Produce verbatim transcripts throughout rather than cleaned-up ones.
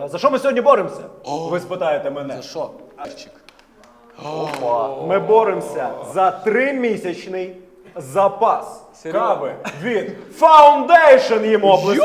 За що ми сьогодні боремося? Ви спитаєте мене. За що? Ми боремося за тримісячний запас кави від Foundation, їм області.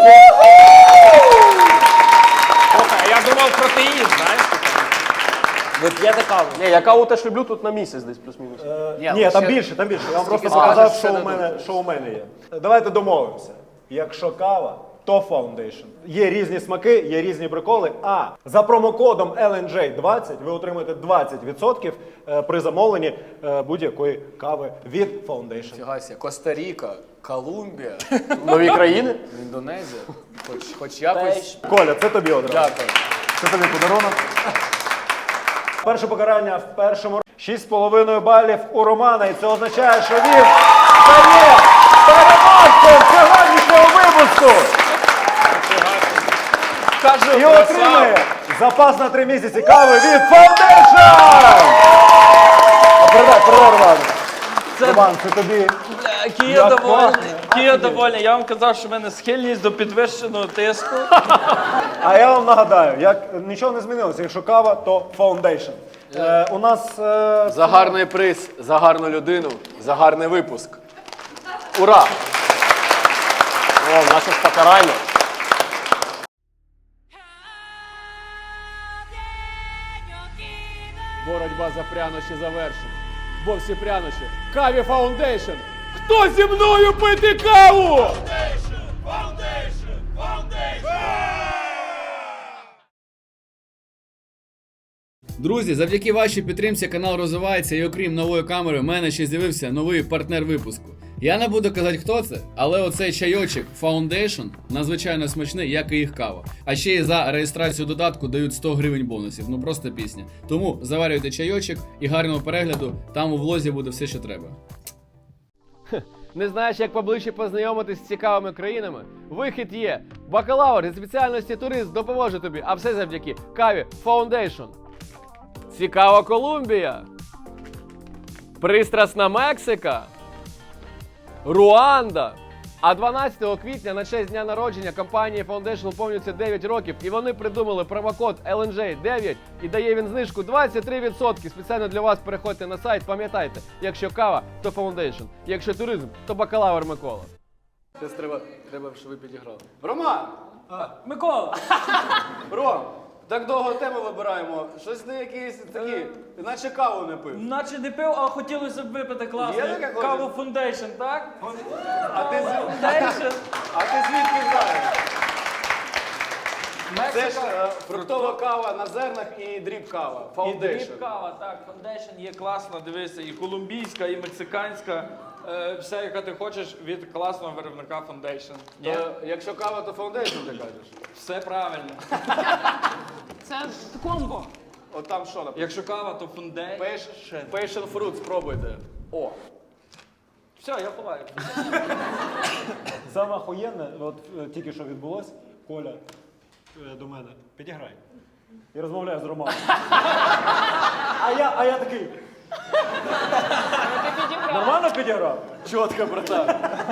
Я думав протеїн, знаєш? Ви п'єте каву? Ні, я каву теж люблю тут на місяць десь плюс-мінус. Ні, Ні там більше, там більше. Я вам просто скажеш, показав, все що у, дадуть. мене, що у мене є. Давайте домовимося. Якщо кава, то Foundation. Є різні смаки, є різні приколи. А за промокодом ел ен джей двадцять ви отримаєте двадцять відсотків при замовленні будь-якої кави від Foundation. Фігася, Коста-Ріка, Колумбія, Нові країни. Індонезія. Хоч, хоч якось. Коля, це тобі одразу. Дякую. Це тобі подарунок. Перше покарання в першому шість з половиною балів у Романа. І це означає, що він стає переможцем сьогоднішнього випуску. І отримує запас на три місяці кави від Foundation! Передай, передай, Роман. Роман, це тобі. Кія Як довольний. класно. Кія довольний. Я вам казав, що в мене схильність до підвищеного тиску. А я вам нагадаю, як нічого не змінилося. Якщо кава, то Foundation. Е, у нас... Е, За гарний приз, за гарну людину, за гарний випуск. Ура! О, наше ж покарання. Боротьба за прянощі завершена. Бо всі прянощі. Каві Foundation! Хто зі мною пити каву? Друзі, завдяки вашій підтримці канал розвивається, і окрім нової камери, в мене ще з'явився новий партнер випуску. Я не буду казати, хто це, але оцей чайочок Foundation надзвичайно смачний, як і їх кава. А ще й за реєстрацію додатку дають сто гривень бонусів, ну просто пісня. Тому заварюйте чайочок і гарного перегляду, там у влозі буде все, що треба. Не знаєш, як поближче познайомитись з цікавими країнами? Вихід є! Бакалавр зі спеціальності турист допоможе тобі, а все завдяки каві Foundation. Цікава Колумбія. Пристрасна Мексика. Руанда. А дванадцятого квітня на честь дня народження компанії Foundation виповнюється дев'ять років, і вони придумали промокод ел ен джей дев'ять, і дає він знижку двадцять три відсотки. Спеціально для вас переходьте на сайт, пам'ятайте, якщо кава, то Foundation, якщо туризм, то бакалавр Микола. Це треба, треба, щоб ви підіграли. Роман! Микола! Ром! Так довго тему вибираємо. Щось не якісь такі, наче каву не пив. Наче не пив, а хотілося б випити класно. Є таке, Каву хочеш? Foundation, так? А ти, з- Foundation. а ти звідки знаєш? Це ж Мексика. е, фруктова кава на зернах і дріб кава. І Foundation. дріб кава, так, Foundation є класна, дивися, і колумбійська, і мексиканська. Е, вся, яка ти хочеш від класного виробника Foundation. Ні? То, якщо кава, то Foundation ти кажеш. Все правильно. Це комбо. От там що написано? Якщо кава, то Foundation. Passion, passion fruit спробуйте. О. Все, я ховаю. Саме охуєнне, от е, тільки що відбулось, Коля е, до мене, підіграй. І розмовляю з Романом. А я, а я такий, Ти підіграв. нормально підіграв? Чітко, братан.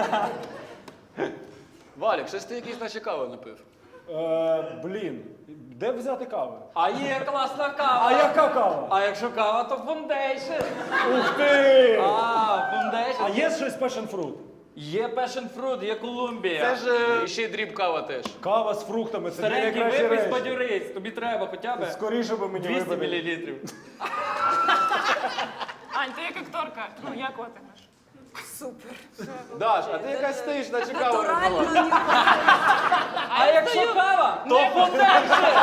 Валік, щось ти якийсь наче каву не пив. Е, блін, де взяти кави? А є класна кава. А яка кава? А якщо кава, то Foundation. Ух ти! А, Foundation. А є щось passion fruit? Є Passion Fruit, є Колумбія. Це ж е, ще й дріб кава теж. Кава з фруктами, це дві Старенький найкращі випий, речі. сподюрись. Тобі треба хоча б Скоріше би мені двісті випити. мілілітрів. Ань, ти як акторка. Ну, як отимеш? Супер. Даш, а ти якась стоїш, наче каву не пила. А якщо кава, то Foundation.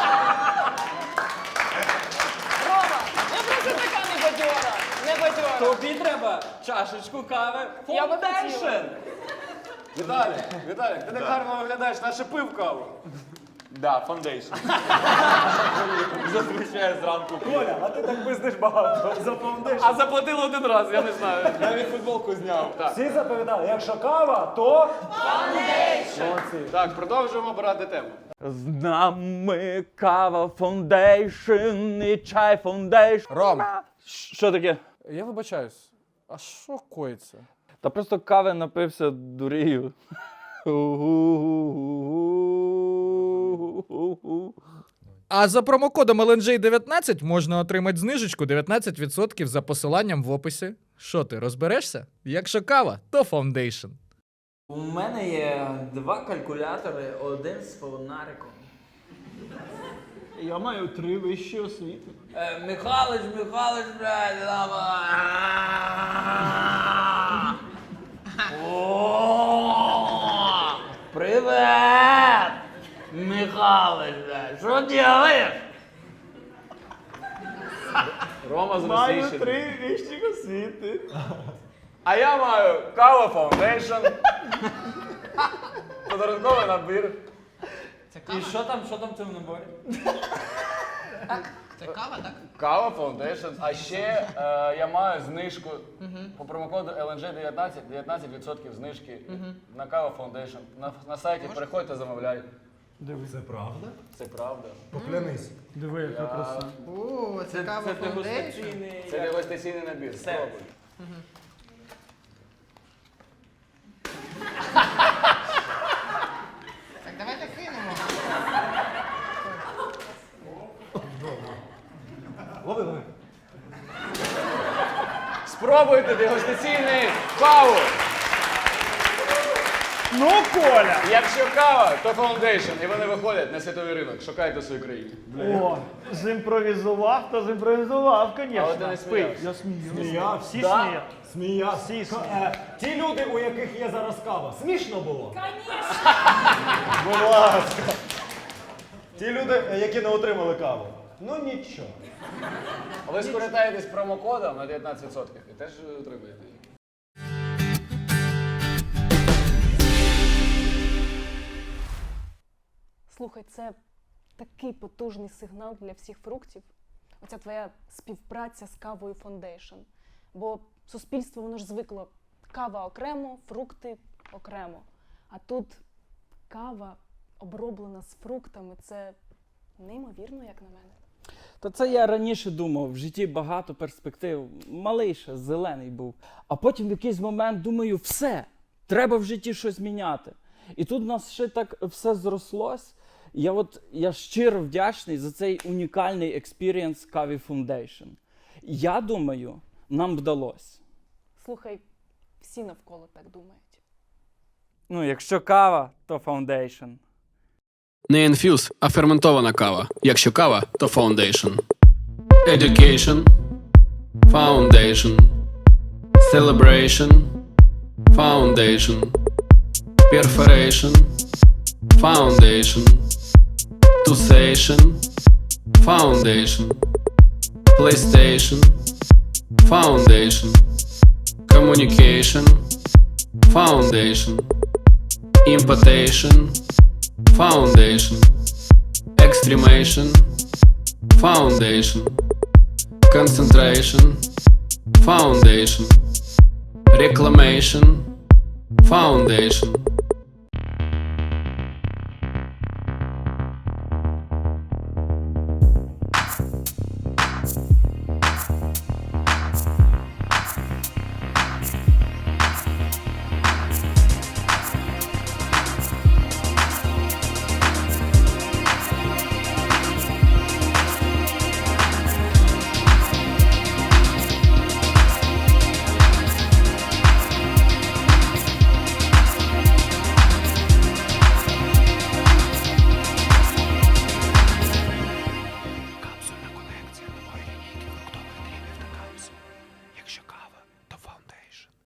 Рома, я просто така не бадьора. Не бадьора. Тобі треба чашечку кави Я би Foundation. хотіла. Віталік, Віталік, ти так гарно виглядаєш, наче пив каву. Да, Foundation. Зазвичай зранку. Коля, а ти так пиздиш багато за Foundation. А заплатили один раз, я не знаю. Навіть футболку зняв. Так, Всі заповідали, якщо кава, то... Foundation! Молодці. так, продовжуємо брати тему. З нами кава Foundation і чай Foundation. Ром, Що таке? я вибачаюсь. А що коїться? Та просто кави напився дурію. А за промокодом ел ен джей дев'ятнадцять можна отримати знижечку дев'ятнадцять відсотків за посиланням в описі. Що ти, розберешся? Якщо кава, то Foundation. У мене є два калькулятори, один з фонариком. Я маю три вищі освіти. Е, Михалич, Михалич, блядь, лава. О, привет! Михалич, блядь, що делаєш? Рома з Маю Російщини. три вищі освіти. А я маю кава Foundation. Подарунковий набір. І що там, що там в цьому наборі? Кава Foundation. А ще е, я маю знижку по промокоду ел ен джей дев'ятнадцять, дев'ятнадцять відсотків знижки на кава Foundation. На, на сайті переходьте, замовляй. Це правда? Це правда. Поклянись. Диви, яка краса. Це, це дегустаційний. Це дегустаційний набір. Спробуй. Так, давайте кинемо. Лови, лови. Спробуйте дегустаційний каву. Ну, Коля! Якщо кава, то Foundation. І вони виходять на світовий ринок. Шукайте в своїй країні. О, зімпровізував, то зімпровізував, звісно. Але ти не сміявся. Я смію. Сміявся? Всі Да. сміють. Сміявся. Всі сміють. Е, ті люди, у яких є зараз кава, смішно було? Звісно. Будь ласка. Ті люди, е, які не отримали каву. Ну нічого. Ви скористаєтесь промокодом на дев'ятнадцять відсотків і теж отримаєте її. Слухай, це такий потужний сигнал для всіх фруктів. Оця твоя співпраця з кавою Foundation. Бо суспільство, воно ж звикло кава окремо, фрукти окремо. А тут кава оброблена з фруктами. Це неймовірно, як на мене. Та це я раніше думав, в житті багато перспектив. Малий ще, зелений був. А потім в якийсь момент думаю, все, треба в житті щось міняти. І тут в нас ще так все зрослось. Я от я щиро вдячний за цей унікальний експірієнс Каві Foundation. Я думаю, нам вдалося. Слухай, всі навколо так думають. Ну, якщо кава, то Foundation. Не інфюз, а ферментована кава. Якщо кава, то Foundation. Education. Foundation. Celebration. Foundation. Perforation. Foundation. Tusation. Foundation. PlayStation. Foundation. Communication. Foundation. Impotation. Foundation. Extremation. Foundation. Concentration. Foundation. Reclamation. Foundation.